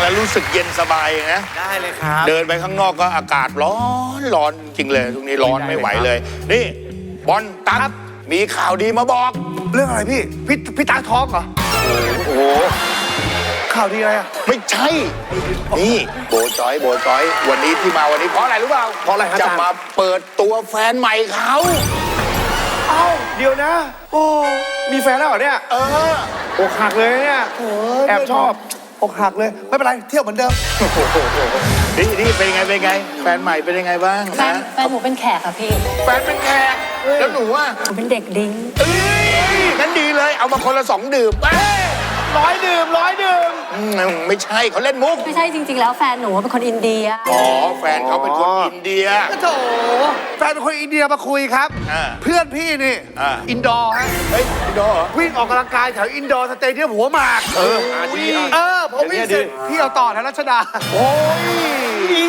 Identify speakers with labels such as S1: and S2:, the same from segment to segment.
S1: แล้วรู้สึกเย็นสบายนะ
S2: ได้เลยครับ
S1: เดินไปข้างนอกก็อากาศร้อนจริงเลยตรงนี้ร้อนไม่ไหวเลยนี่บอลตั๊กมีข่าวดีมาบอก
S2: เรื่องอะไรพี่ตาท้องเหรอโอ้โหข่าวดีอะไรอ่ะ
S1: ไม่ใช่นี่โบจอยวันนี้ที่มาวันนี้เพราะอะไรรู้เปล่า
S2: เพราะอะไรครับ
S1: จะมาเปิดตัวแฟนใหม่เขา
S2: เอ้าเดี๋ยวนะโอ้มีแฟนแล้วเหรอเนี่ยอกหักเลยเนี่ยแอบชอบอกหักเลยไม่เป็นไรเที่ยวเหมือนเดิม
S1: นี่เป็นไงแฟนใหม่เป็นยังไงบ้าง
S3: แฟนหนูเป็นแขกค่ะพี่
S1: แฟนเป็นแขกแล้วหนูอ่ะ
S3: หนูเป็นเด็กดิ้ง
S1: งั้นดีเลยเอามาคนละ2 ดื่ม
S2: 100 ดื่ม
S1: ไม่ใช่เขาเล่นมุก
S3: ไม่ใช่จริงๆแล้วแฟนหนูเป็นคนอินเดีย
S1: อ๋อแฟนเขาเป็นคนอินเดีย
S2: โถแฟนเป็นคนอินเดียมาคุยครับเพื่อนพี่นี่อินดอร์ฮะ
S1: เฮ้ยอินดอร์
S2: วิ่งออกกำลังกายแถวอินดอร์สเตเดียมหัวหมาก
S1: ดี
S2: ผมวิ่งเสร็จพี่เอาต่อแถวรัชดา
S1: โอ้ย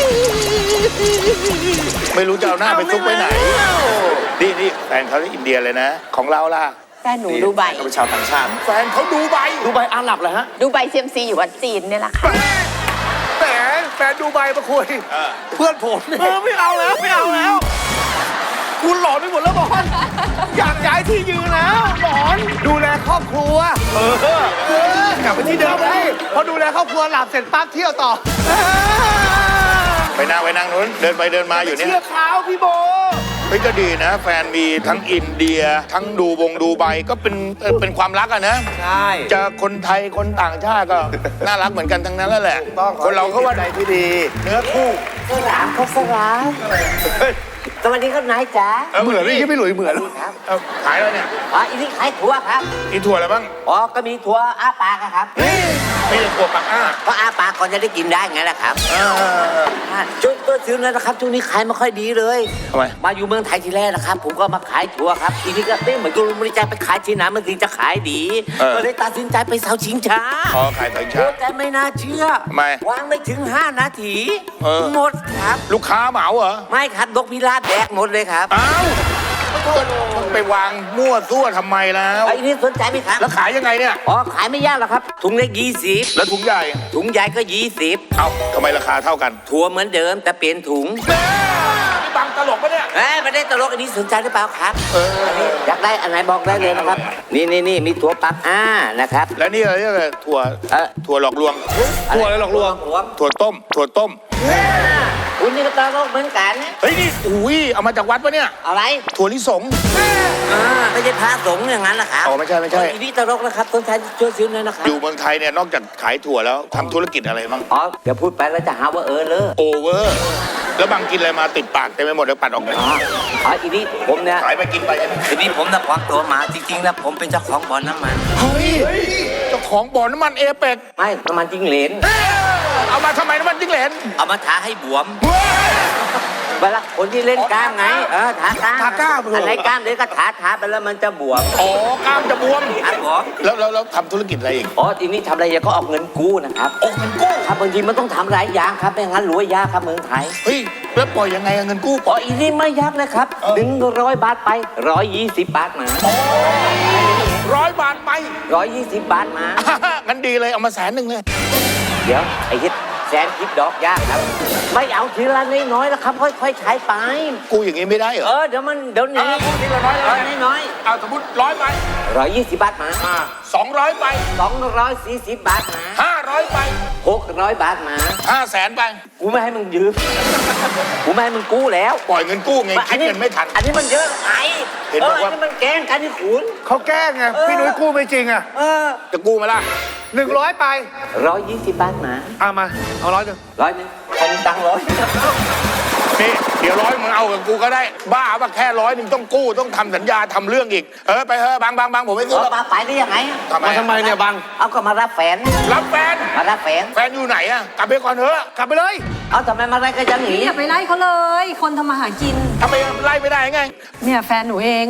S1: ไม่รู้จะเอาหน้าไปซุกไปไหนนี่แฟนเขาที่อินเดียเลยนะของเราล่ะ
S3: แฟนหนูดูไบ
S1: เขาเป็นชาวต่างชาติแฟนเขาดูไบ
S2: อาหรับเหรอฮะ
S3: ดูไบเซียมซีอยู่วัดจีนเนี่ยแหละค่ะ
S2: แฟนดูไบมาคุยเพื่อนผมไม่เอาแล้วคุณหลอนไปหมดแล้วบอลอยากย้ายที่ยืนแล้วหลอนดูแลครอบครัวกลับไปที่เดิมเลยพอดูแลครอบครัวหลับเสร็จปั๊บเที่ยวต่อ
S1: ไปนั่งนู้นเดินไปเดินมาอยู่เนี่ย
S2: เชื่อเขาพี่โบ
S1: เฮ้ยก็ดีนะแฟนมีทั้งอินเดียทั้งดูไบก็เป็นความรักอะนะ
S2: ใช่
S1: จะคนไทยคนต่างชาติก็น่ารักเหมือนกันทั้งนั้นแล้วแหละคนเราก็ว่าใจที่ดีเนื้อคู่
S3: สลามเขาสลามสวัสดีครับนายจ๋า
S1: เหมือนไม่หลุยเหมือน
S3: ครับ
S1: ขายอะไรเนี่ย
S3: อันนี้ขายถั่วครับ
S1: มีถั่วอะไรบ้าง
S3: ก็มีถั่วอ้าปากครับ
S1: ไม่ใช่ถั่วปากอ้า
S3: เพราะอ้าปากก่อนจะได้กินได้ไงล่ะครับช่วงต้นซื้อแล้วนะครับช่วงนี้ขายไม่ค่อยดีเลย
S1: ทำไม
S3: มาอยู่เมืองไทยทีแรกนะครับผมก็มาขายถั่วครับทีนี้ก็เหมือนกับบริจาคไปขายที่ไหนมันถึงจะขายดีก็เลยตัดสินใจไปเสาชิงช้า
S1: ขายเสาชิงช้า
S3: แต่ไม่น่าเชื่อวางไม่ถึง5 นาทีหมดครับ
S1: ลูกค้าเหมาเหรอ
S3: ไม่ครับนกพิราบแดกหมดเลยครับ
S1: อ้าวไปวางมั่วซั่วทำไมแล้ว
S3: ไอ้นี่สนใจไหมครับ
S1: แล้วขายยังไงเนี่ย
S3: ขายไม่ยากหรอกครับถุงเล็ก20
S1: แล้วถุงใหญ่
S3: ก็20
S1: เอ้าทำไมราคาเท่ากัน
S3: ถั่วเหมือนเดิมแต่เปลี่ยนถุง
S1: นี่บังตลกปะเนี่ย
S3: ไม่ได้ตลกอันนี้สนใจหรือเปล่าครับอยากได้อันไหนบอกได้เลยนะครับนี่มีถั่วปักนะครับ
S1: แล้วนี่อะไรเนี่ยถั่วหลอกลวง
S2: ถั่วอะไรหลอกลวง
S1: ถั่วต้ม
S3: คุณนี่ก็ตลกเหมือนกัน
S1: เฮ้ยนี่เอามาจากวัดปะเนี่ย
S3: อะไร
S1: ถั่วลิสง
S3: ไม่ใช่พระสงฆ์อย่างนั้นหรอครับ
S1: ไม่ใช่
S3: นี่ตลกนะครับต้นไทยช่วยซื้อหน่อยนะครับ
S1: อยู่เมืองไทยเนี่ยนอกจากขายถั่วแล้วทำธุรกิจอะไรบ้าง
S3: เดี๋ยวพูดไปแล้วจะหาว่าเลย
S1: โอเวอร์แล้วบางกินอะไรมาติดปากเต็มไปหมดแล้วปัดออกไป
S3: อีนี่ผมเนี่ย
S1: ขายไปกินไป
S3: อีนี่ผมนะควักตัวมาจริงๆนะผมเป็นเจ้าของบ่อน้ำมัน
S1: เฮ้ยเจ้าของบ่อน้ำมันเอเปก
S3: ไม่น้ำมันจิ้งเหลน
S1: เอามาทำไมน้ำมันจิ้งเหลน
S3: เอามาทาให้บวมเวลาคนที่เล่นกล้ามไงทากล้ามอะไรกล้ามเดี๋ยวก็ทาไปแล้วมันจะบวม
S1: กล้ามจะบวม
S3: ครับผม
S1: แล้วทำธุรกิจอะไรอีก
S3: ทีนี้ทำอะไรก็ออกเงินกู้นะครับ
S1: เงินกู้
S3: ครับบางทีมันต้องทำหลายอย่างครับไม่งั้นรวยยากครับเมืองไทย
S1: เฮ้ยแล้วปล่อยยังไงเงินกู้
S3: อีนี่ไม่ยากเลยครับ100 บาทไป120 บาทมา
S1: 100 บาทไป
S3: 120 บาทมา
S1: งั้นดีเลยเอามา100,000เลย
S3: เดี๋ยวไอ้ฮิตแสนคิดดอกยากครับไม่เอาทีละน้อยๆแล้วครับค่อยๆใช้ไป
S1: กูอย่างงี้ไม่ได้เหรอ
S3: เดี๋ยวนี้
S1: กูทีละ
S3: น้อย
S1: สมมติ100 ไป
S3: 120 บาทมา
S1: 200 ไป
S3: 240 บาทมา
S1: 500 ไป
S3: 600 บาทมา
S1: 500,000 ไป
S3: กูไม่ให้มึงยืมกูไม่ให้มึงกู้แล้ว
S1: ปล่อยเงินกู้ไงคิดเงินไม่ทัน
S3: อันนี้มันเยอะไง
S1: เห็นบอกว่า
S3: มันแกล้งกันที่ขุน
S2: เขาแกล้งไงพี่นุ้ยกู้ไม่จริงอ่ะ
S1: จะกู้มาล่ะ
S2: 100 ไป
S3: 120 บาทมา
S2: มาเอา100
S3: ใครมีตังค์100
S1: นี่เดี๋ยว100มึงเอากับกูก็ได้บ้าป่ะแค่100ต้องกู้ต้องทำสัญญาทำเรื่องอีกไปบางผมไม่ซื้อ
S3: มาไปได้ยังไง
S2: ทำไมเนี่ยบัง
S3: เอาก็มารับแฟนมารับแฟน
S1: อยู่ไหนอะกลับไปก่อนเถอะ
S2: กลับไปเลย
S3: เอาทำไมมาไล่ก็จะหนี
S4: อย่าไปไล่เขาเลยคนทำมาหากิน
S1: ทำไมไล่ไม่ได้ไง
S4: เนี่ยแฟนหนูเอง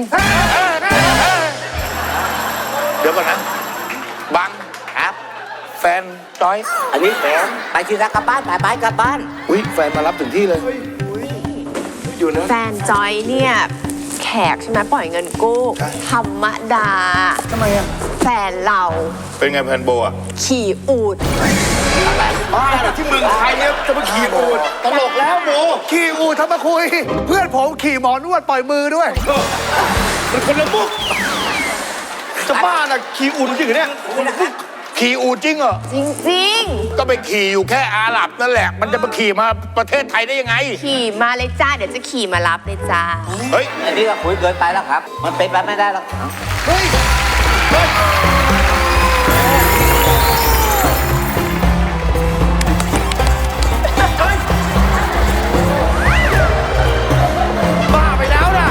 S1: เดี๋ยวก่อนนะบัง
S3: ครับ
S1: แฟนจอย
S3: อันนี้แฟนไปที่รักกลับบ้านไปกลับบ้าน
S1: แฟนมารับถึงที่เลย
S4: อยู่นะแฟนจอยเนี่ยแขกใช่ไหมปล่อยเงินกู้ธรรมดา
S2: ทำไมอะ
S4: แฟนเรา
S1: เป็นไงแฟนโบอะ
S4: ขี่อูฐ
S2: บ้าที่เมืองไทยเนี่ยจะมาขี่อูฐตลกแล้วโมขี่อูฐทำมาคุย เพื่อนผมขี่หมอนวดปล่อยมือด้วยมันคนละมุกจะบ้าน่ะขี่อูฐจริงเนี่ย
S1: ขี่อูฐจริงเหรอ
S4: จริง
S1: ก็ไปขี่อยู่แค่อาหรับนั่นแหละ มันจะมาขี่มาประเทศไทยได้ยังไง
S4: ๆ ขี่มาเลยจ้า เดี๋ยวจะขี่มารับเลยจ้า
S1: เฮ้ย
S3: อันนี้ก็คุยเกินไปแล้วครับ มันเป็นไปไม่ได้แล้ว
S2: เฮ้ยบ้าไปแล้วนะ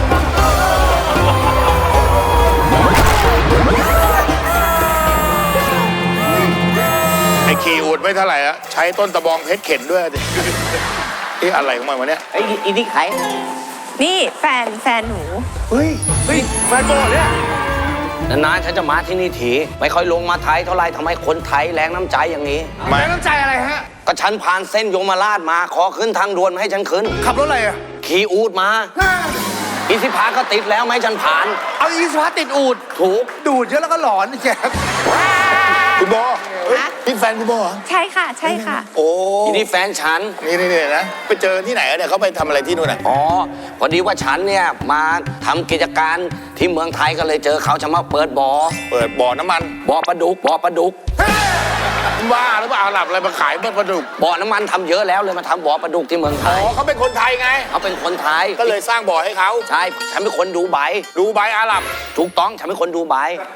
S1: ไอ้ขี่อูฐไม่เท่าไหร่อะใช้ต้นตะบองเพชรเข็นด้วยดินี่อะไรของมันวะเนี่ย
S3: ไอ้อีนี่ไข
S4: นี่แฟนหนู
S2: เฮ้ยแฟนบอลเนี่ย
S5: นานๆฉันจะมาที่นี่ทีไม่ค่อยลงมาไทยเท่าไรทำไมคนไทยแรงน้ำใจอย่างนี้
S2: แม่น้ำใจอะไรฮะ
S5: ก็ฉันผ่านเส้นโยมราชมาขอขึ้นทางด่วนมาให้ฉันขึ้น
S2: ขับรถอะไรอ่ะ
S5: ขี่อูดมาอีสิพาก็ติดแล้วไม่ให้ฉันผ่าน
S2: เอาอีสวาติดอูด
S5: ถูก
S2: ดูดเยอะแล้วก็หลอนแจ๊ค
S1: คุณโบเฮ้ย
S4: ฮะ
S1: นี่แฟนคุณโบเหรอ
S4: ใช่ค่ะ ใช่ค่ะ
S1: โอ้
S5: อีนี่แฟนฉัน
S1: นี่นะ ไปเจอที่ไหนอะเนี่ยเขาไปทำอะไรที่นู่นอะ
S5: อ๋อพอดีว่าฉันเนี่ยมาทำกิจการที่เมืองไทยก็เลยเจอเขาจะมาเปิดบ่อ
S1: เปิดบ่อน้ำมัน
S5: บ่อปลาดุก
S1: ว่าหรือเปล่าอาหรับอะไรมาขายปลาดุก
S5: บ่อน้ำมันทำเยอะแล้วเลยมาทำบ่อปลาดุกที่เมืองไท
S1: อ๋
S5: ย
S1: อเขาเป็นคนไทยไง
S5: เขาเป็นคนไทย
S1: ก็เลยสร้างบ่อให้เขา
S5: ใช่ฉันเป็นคนดูไบ
S1: ดูใบอาหรับ
S5: ถูกต้องฉันเป็นคนดูไบ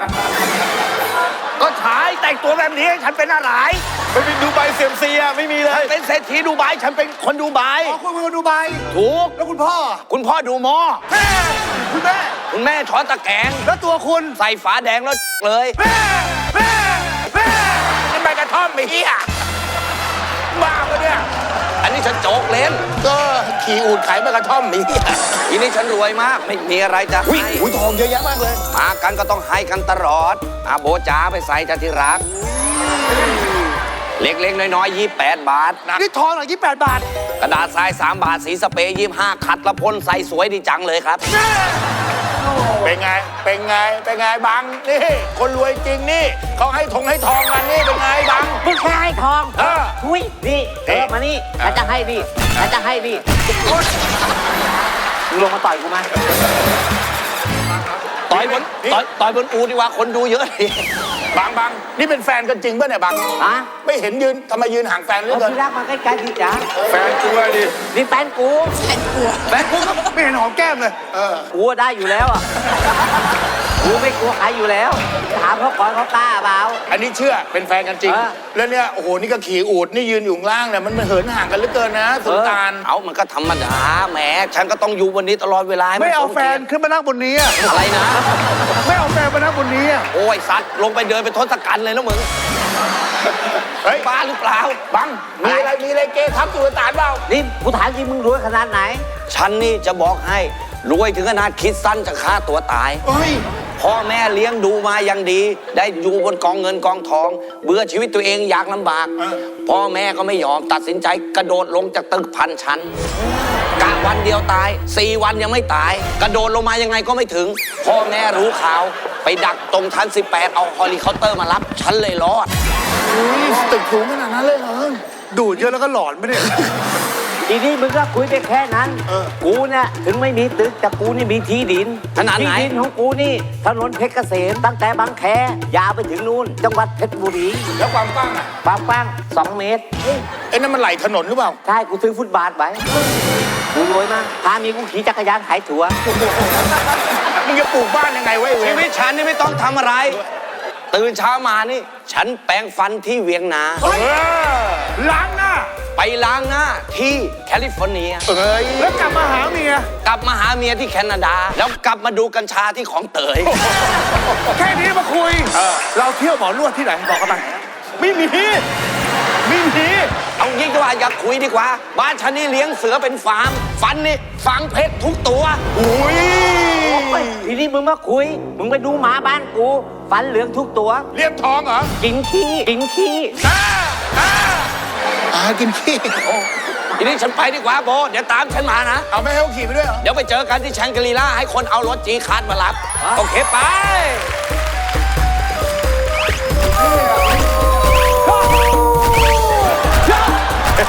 S2: ก็ฉายแต่งตัวแบบนี้ฉันเป็นอะไรไม่เป็นดูใบเซียมซีอะไม่มีเลย
S5: เป็นเศรษฐีดูไบฉันเป็นคนดูไบ
S2: อ๋อคุณเป็นคนดูใบ
S5: ถูก
S2: แล้วคุณพ่อ
S5: คุณพ่อดูหมอ
S2: คุณแม่
S5: คุณแม่ช้อนตะแกรง
S2: แล้วตัวคุณ
S5: ใส่ฝาแดงแล้วเลย
S2: แม่แม่แม่
S1: นี่ใบกระท่อมไอ้เหี้ยบ้าปะเนี่ย
S5: อันนี้ฉันโจกเล่น
S1: ก็ขี่อูฐขายใบกระท่อมไอ้เหี้ย
S5: ทีนี้ฉันรวยมากไม่มีอะไรจะ
S1: อุ้ย
S5: ให้
S1: อุ้ยทองเยอะแยะมากเลย
S5: มากันก็ต้องให้กันตลอดอาโบจ๋าไปใส่จะที่รัก เล็กๆน้อยๆ28 บาท
S2: นี่ทองหน่อย28 บาท
S5: กระดาษทราย3 บาทสีสเปรย์25ขัดละพ่นใส่สวยดีจังเลยครับ
S1: เป็นไง เป็นไง เป็นไงบัง นี่ คนรวยจริงนี่ เขาให้ทองกันนี่ เป็นไงบัง
S3: มึงแค่ให้ทอง
S1: เออ
S3: ทุยนี่
S1: เอ๊ะ
S3: มานี่ฉันจะให้นี่ฉันจะให้นี่มึงลงมาต่อยกูมา
S5: ต่อยบน
S1: นี่
S5: ต่อยบนอูดีกว่าคนดูเยอะดิ
S1: บัง นี่เป็นแฟนกันจริงป่ะเนี่ยบัง
S3: ฮะ
S1: ไม่เห็นยืนทำไมยืนห่างแฟนเหลือ
S3: เอา
S1: เกิน
S3: ที่รักมาใกล้ๆดิจ๋า
S1: แฟนกลัวดิ
S3: นี่แฟนกู
S2: แม่คุณก็ไม่เห็นหอมแก้มเลย
S3: กูได้อยู่แล้วอ่ะกูไม่กลัวใครอยู่แล้ว ถามเขาก่อนเขากล้าเปล่า
S1: อันนี้เชื่อเป็นแฟนกันจริง
S3: เออ
S1: แล้วเนี่ย โอ้โห นี่ก็ขี่อูดนี่ยืนอยู่ข้างล่างเนี่ย มันเหินห่างกันเหลือเกินนะสุลต่าน
S5: เอามันก็ธรรมดาแหมฉันก็ต้องอยู่บนนี้ตลอดเวลาให้น
S2: ไม่เอา
S5: ส
S2: แฟนขึ้นมานั่งบนนี้อะ
S5: อะไรนะ
S2: ไม่เอาแฟนมานั่งบนนี้อะ
S5: โอ้ยสัตว์ลงไปเดินไปทศกัณฐ์เลยนะมึง
S1: เฮ้ย
S5: บ้าหรือเปล่า
S1: บัง มีอะไรเกทับสุลต่านเปล่า
S3: นี่กูถามจริงมึงรวยขนาดไหน
S5: ฉันนี่จะบอกให้รวยถึงขนาดคิดสั้นจะฆ่าตัวตาย
S1: เฮ้ย
S5: พ่อแม่เลี้ยงดูมาอย่างดี ได้อยู่บนกองเงินกองทอง เบื่อชีวิตตัวเองอยากลำบาก พ่อแม่ก็ไม่ยอมตัดสินใจกระโดดลงจากตึก1,000 ชั้นกะวันเดียวตาย 4 วันยังไม่ตาย กระโดดลงมายังไงก็ไม่ถึง พ่อแม่รู้ข่าว ไปดักตรงชั้น 18 เอาเฮลิคอปเตอร์มารับ ฉันเลยรอด
S1: อุ้ยตึกสูงขนาดนั้นเลยเหรอ
S2: ดูดเยอะแล้วก็หลอนไม่ได้
S3: ทีนี้มึงก็คุยไปแค่นั้น กูเนี่ยถึงไม่มีตึกแต่กูนี่มีที่ดิน
S5: ขนาดไหน
S3: ที่ดินของกูนี่ถนนเพชรเกษมตั้งแต่บางแคยาวไปถึงนู่น จังหวัดเพชรบุรี
S1: แล้วความกว้างอ่ะ
S3: ความกว้าง2 เมตร
S1: ไอ้นั่นมันไหลถนนหรือเปล่า
S3: ใช่กูซื้อฟุตบาทไว้กูรวยมากพามีกูขี่จักรยานขายถั่ว
S1: มึงจะปลูกบ้านยังไงวะไอ้เว
S5: ชี
S1: ร
S5: วิตฉันนี่ไม่ต้องทำอะไร ตื่นเช้ามานี่ ฉันแปรงฟันที่เวียงนา
S2: ล้างหน้า
S5: ไปล้างหน้าที่แคลิฟอร์เนีย
S1: เอ้ย
S2: แล้วกลับมาหาเมีย
S5: กลับมาหาเมียที่แคนาดา แล้วกลับมาดูกัญชาที่ของเตย
S2: แค่นี้มาคุย เราเที่ยวหมอนวดที่ไหนบอกกันไปไม่มีไม่มี
S5: เอายิ่งกว่าอยากคุยดีกว่า บ้านฉันนี่เลี้ยงเสือเป็นฟาร์ม ฟันนี่ฝังเพชรทุกตัว
S1: อุ้ย
S3: ทีนี้มึงมาคุย มึงไปดูหมาบ้านกู ฟันเหลืองทุกตัว
S1: เรียบทองเหรอ
S3: กินขี้
S1: กินขี้
S5: ทีนี้ฉันไปดีกว่าโบ เดี๋ยวตามฉันมานะ
S1: เอาไม่ให้เขาขี่ไปด้วยเหรอ
S5: เดี๋ยวไปเจอกันที่แชงกรีล่าให้คนเอารถจีคาร์ดมารับ โอเคไป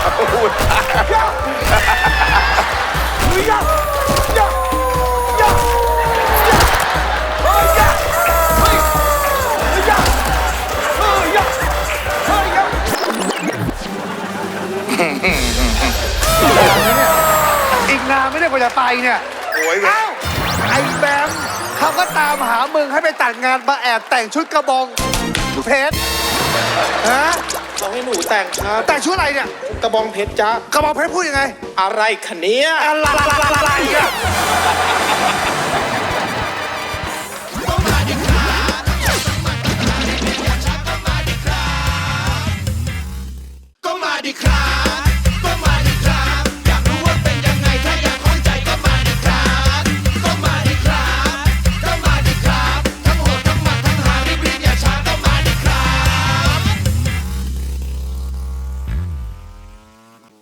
S2: อีกนานไม่ได้กว่าจะไปเนี่ย
S1: โอ้ย
S2: เอ้าไอ้แบมเขาก็ตามหามึงให้ไปตัดงานมาแอบแต่งชุดกระบองเพชรฮะ
S6: บอกให้หนูแต่งครับ
S2: แต่งชุดอะไรเนี่ย
S6: กระบองเพชรจ้าก
S2: ระบองเพชรพูดยังไง
S6: อะไรคะเนี้ย
S2: อะไรอะ